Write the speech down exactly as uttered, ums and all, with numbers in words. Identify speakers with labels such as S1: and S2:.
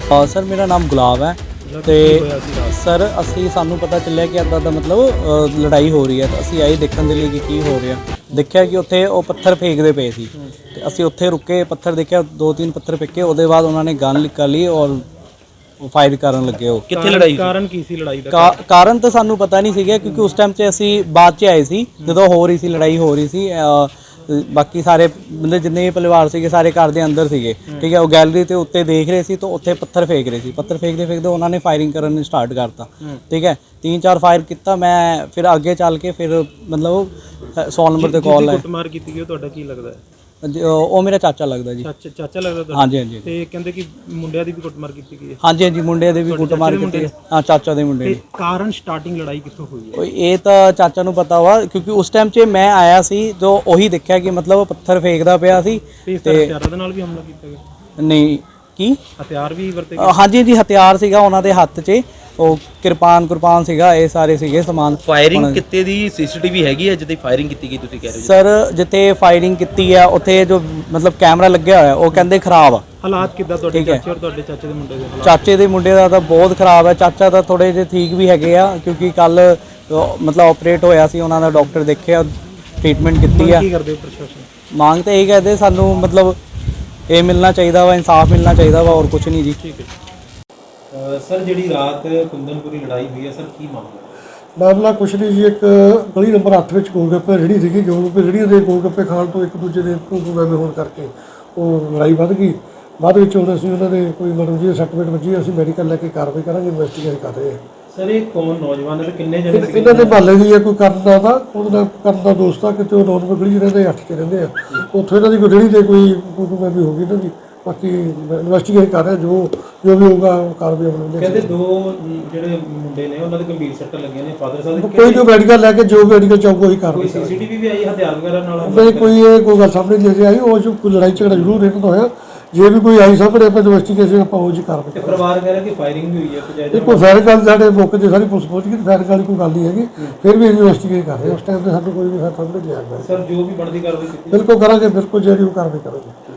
S1: sir मेरा नाम गुलाब है तो सर असी सानू पता चलिया कि इदा दा मतलब लड़ाई हो रही है तो असी आए देखने के लिए कि की हो रहा देखा कि उत्थे वो पत्थर फेंकते पे सी ते असी उत्थे रुके पत्थर देखा दो तीन पत्थर फेंके उसके बाद उन्होंने गन निकाल ली और फायर करन लगे हो
S2: कित्थे लड़ाई कारण की सी लड़ाई दा
S1: का, कारण तो सानू पता नहीं सीगा क्योंकि उस टाइम से असी बाद च आए सी जो हो रही सी लड़ाई हो रही सी बाकी सारे मतलब जिन्ने भी परिवार से सारे घर के अंदर थे ठीक है वो गैलरी के उत्ते देख रहे थे तो उत्थे पत्थर फेंक रहे थे पत्थर फेंकते फेंकते उन्होंने फायरिंग करनी स्टार्ट करता ठीक है तीन चार फायर किया मैं फिर आगे चल के फिर मतलब सौ नंबर पर कॉल है
S2: कुटमार की गई ਤੁਹਾਡਾ ਕੀ ਲੱਗਦਾ ਹੈ
S1: ਉਹ ਮੇਰਾ ਚਾਚਾ ਲੱਗਦਾ ਜੀ
S2: ਚਾਚਾ ਚਾਚਾ ਲੱਗਦਾ ਤੁਹਾਡਾ
S1: ਹਾਂਜੀ ਹਾਂਜੀ
S2: ਤੇ ਕਹਿੰਦੇ ਕਿ ਮੁੰਡਿਆਂ ਦੀ ਵੀ ਕੁੱਟਮਾਰ ਕੀਤੀ ਗਈ ਹੈ
S1: ਹਾਂਜੀ ਹਾਂਜੀ ਮੁੰਡਿਆਂ ਦੇ ਵੀ ਕੁੱਟਮਾਰ ਕੀਤੀ ਹਾਂ ਚਾਚਾ ਦੇ ਮੁੰਡੇ
S2: ਤੇ ਕਾਰਨ ਸਟਾਰਟਿੰਗ ਲੜਾਈ ਕਿੱਥੋਂ ਹੋਈ ਹੈ
S1: ਕੋਈ ਇਹ ਤਾਂ ਚਾਚਾ ਨੂੰ ਪਤਾ ਵਾ ਕਿਉਂਕਿ ਉਸ ਟਾਈਮ 'ਚ ਮੈਂ ਆਇਆ ਸੀ ਜੋ ਉਹੀ ਦੇਖਿਆ ਕਿ ਮਤਲਬ ਪੱਥਰ ਫੇਕਦਾ ਪਿਆ ਸੀ
S2: ਤੇ ਹਥਿਆਰਾਂ ਦੇ ਨਾਲ ਵੀ ਹਮਲਾ ਕੀਤਾ ਗਿਆ
S1: ਨਹੀਂ ਕੀ
S2: ਹਥਿਆਰ ਵੀ ਵਰਤੇ
S1: ਗਏ ਹਾਂਜੀ ਜੀ ਹਥਿਆਰ ਸੀਗਾ ਉਹਨਾਂ ਦੇ ਹੱਥ 'ਚ ਉਹ ਕਿਰਪਾਨ ਕੁਰਪਾਨ ਸੀਗਾ ਇਹ ਸਾਰੇ ਸੀਗੇ ਸਮਾਨ
S3: ਫਾਇਰਿੰਗ ਕਿਤੇ ਦੀ ਸੀਸੀਟੀਵੀ ਹੈਗੀ ਹੈ ਜਿੱਥੇ ਫਾਇਰਿੰਗ ਕੀਤੀ ਗਈ ਤੁਸੀਂ ਕਹਿ ਰਹੇ ਹੋ
S1: ਸਰ ਜਿੱਥੇ ਫਾਇਰਿੰਗ ਕੀਤੀ ਆ ਉੱਥੇ ਜੋ ਮਤਲਬ ਕੈਮਰਾ ਲੱਗਿਆ ਹੋਇਆ ਉਹ ਕਹਿੰਦੇ ਖਰਾਬ ਆ
S2: ਹਾਲਾਤ ਕਿੱਦਾਂ ਤੁਹਾਡੇ ਚਾਚੇ ਔਰ ਤੁਹਾਡੇ ਚਾਚੇ ਦੇ ਮੁੰਡੇ ਦੇ ਹਾਲਾਤ
S1: ਚਾਚੇ ਦੇ ਮੁੰਡੇ ਦਾ ਤਾਂ ਬਹੁਤ ਖਰਾਬ ਹੈ ਚਾਚਾ ਤਾਂ ਥੋੜੇ ਜਿਹੇ ਠੀਕ ਵੀ ਹੈਗੇ ਆ ਕਿਉਂਕਿ ਕੱਲ ਮਤਲਬ ਆਪਰੇਟ ਹੋਇਆ ਸੀ ਉਹਨਾਂ ਦਾ ਡਾਕਟਰ ਦੇਖਿਆ ਟ੍ਰੀਟਮੈਂਟ ਕੀਤੀ ਆ
S2: ਕੀ ਕਰਦੇ ਪ੍ਰਸ਼ਾਸਨ
S1: ਮੰਗ ਤਾਂ ਇਹ ਕਹਿੰਦੇ ਸਾਨੂੰ ਮਤਲਬ ਇਹ ਮਿਲਣਾ ਚਾਹੀਦਾ ਵਾ ਇਨਸਾਫ ਮਿਲਣਾ ਚਾਹੀਦਾ ਵਾ ਹੋਰ ਕੁਝ ਨਹੀਂ ਜੀ
S2: ਠੀਕ ਹੈ ਸਰ ਜਿਹੜੀ ਰਾਤ ਕੁੰਦਨਪੁਰੀ ਲੜਾਈ ਹੋਈ ਹੈ ਸਰ ਕੀ ਮਾਮਲਾ
S4: ਮਾਮਲਾ ਕੁਛ ਨਹੀਂ ਜੀ ਇੱਕ ਗਲੀ ਨੰਬਰ ਅੱਠ ਵਿੱਚ ਗੋਲਗੱਪੇ ਰੇਹੜੀ ਸੀਗੀ ਗੋਲਗੱਪੇ ਰੇਹੜੀ ਦੇ ਗੋਲਗੱਪੇ ਖਾਣ ਤੋਂ ਇੱਕ ਦੂਜੇ ਦੇ ਗੋਲਗੱਪੇ ਹੋਣ ਕਰਕੇ ਉਹ ਲੜਾਈ ਵੱਧ ਗਈ ਬਾਅਦ ਵਿੱਚ ਹੁਣ ਅਸੀਂ ਉਹਨਾਂ ਦੇ ਕੋਈ ਮੈਡਮ ਜੀ ਸਰਟੀਫਿਕੇਟ ਵੱਜੀ ਅਸੀਂ ਮੈਡੀਕਲ ਲੈ ਕੇ ਕਾਰਵਾਈ ਕਰਾਂਗੇ ਇਨਵੈਸਟੀਗੇਟ ਕਰ ਰਹੇ ਹਾਂ
S2: ਸਰ ਇਹ ਕੌਣ ਨੌਜਵਾਨ ਹੈ ਕਿੰਨੇ ਜਣੇ
S4: ਇਹਨਾਂ ਦੇ ਮਹੱਲੇ ਦੀ ਹੈ ਕੋਈ ਕਰਨ ਦਾ ਤਾਂ ਉਹਦੇ ਨਾਲ ਕਰਨ ਦਾ ਦੋਸਤ ਆ ਕਿਤੇ ਉਹ ਨੌਨ ਗਲੀ 'ਚ ਰਹਿੰਦੇ ਅੱਠ 'ਚ ਰਹਿੰਦੇ ਆ ਉੱਥੋਂ ਇਹਨਾਂ ਦੀ ਕੋਈ ਰੇਹੜੀ ਤੇ ਕੋਈ ਕੋਈ ਵੀ ਹੋ ਗਈ ਇਹਨਾਂ ਦੀ ਬਾਕੀ ਇਨਵੈਸਟੀਗੇਟ ਕਰ ਰਹੇ ਜੋ ਜੋ ਵੀ ਹੋਊਗਾ ਕਾਰਵਾਈ ਅਮਲ ਵਿੱਚ
S2: ਕਹਿੰਦੇ ਦੋ ਜਿਹੜੇ ਮੁੰਡੇ ਨੇ ਉਹਨਾਂ ਦੇ ਗੰਭੀਰ ਸੱਟ ਲੱਗੀਆਂ ਨੇ ਫਾਦਰ ਸਾਹਿਬ ਦੇ
S4: ਕੋਈ ਜੋ ਮੈਡੀਕਲ ਲੈ ਕੇ ਜੋ ਮੈਡੀਕਲ ਚਾਹੂਗਾ ਉਹੀ ਕਾਰਵਾਈ
S2: ਕੋਈ ਸੀਸੀਟੀਵੀ ਵੀ ਆਈ ਹਥਿਆਰ ਵਗੈਰਾ ਨਾਲ
S4: ਨਹੀਂ ਕੋਈ ਇਹ ਕੋਈ ਗੱਲ ਸਾਹਮਣੇ ਨਹੀਂ ਆਈ ਉਹ ਜੋ ਕੋਈ ਲੜਾਈ ਝਗੜਾ ਜ਼ਰੂਰ ਇਹਨਾਂ ਦਾ ਹੋਇਆ ਜੇ ਵੀ ਕੋਈ ਆਈ ਸਾਹਮਣੇ ਆਪਾਂ ਇਨਵੈਸਟੀਗੇਸ਼ਨ ਆਪਾਂ ਉਹ ਜੀ ਕਾਰਵਾਈ
S2: ਤੇ ਪਰਿਵਾਰ ਕਹਿ ਰਿਹਾ ਕਿ ਫਾਇਰਿੰਗ ਵੀ ਹੋਈ ਹੈ ਤੇ
S4: ਇਹ ਕੋਈ ਫਾਇਰ ਗੱਲ ਸਾਡੇ ਮੌਕੇ ਤੇ ਸਾਰੀ ਪੁਲਿਸ ਪਹੁੰਚ ਗਈ ਫਾਇਰ ਵਾਲੀ ਕੋਈ ਗੱਲ ਨਹੀਂ ਹੈਗੀ ਫਿਰ ਵੀ ਇਨਵੈਸਟੀਗੇਟ ਕਰ ਰਹੇ ਉਸ ਟਾਈਮ ਤੇ ਸਾਨੂੰ ਕੋਈ ਵੀ ਸਾਹਮਣੇ ਨਹੀਂ ਆਇਆ
S2: ਸਰ ਜੋ ਵੀ ਬਣਦੀ ਕਾਰਵਾਈ ਕੀਤੀ
S4: ਬਿਲਕੁਲ ਕਰਾਂਗੇ ਬਿਲਕੁਲ ਜਿਹੜੀ ਉਹ ਕਾਰਵਾਈ ਕਰਾਂਗੇ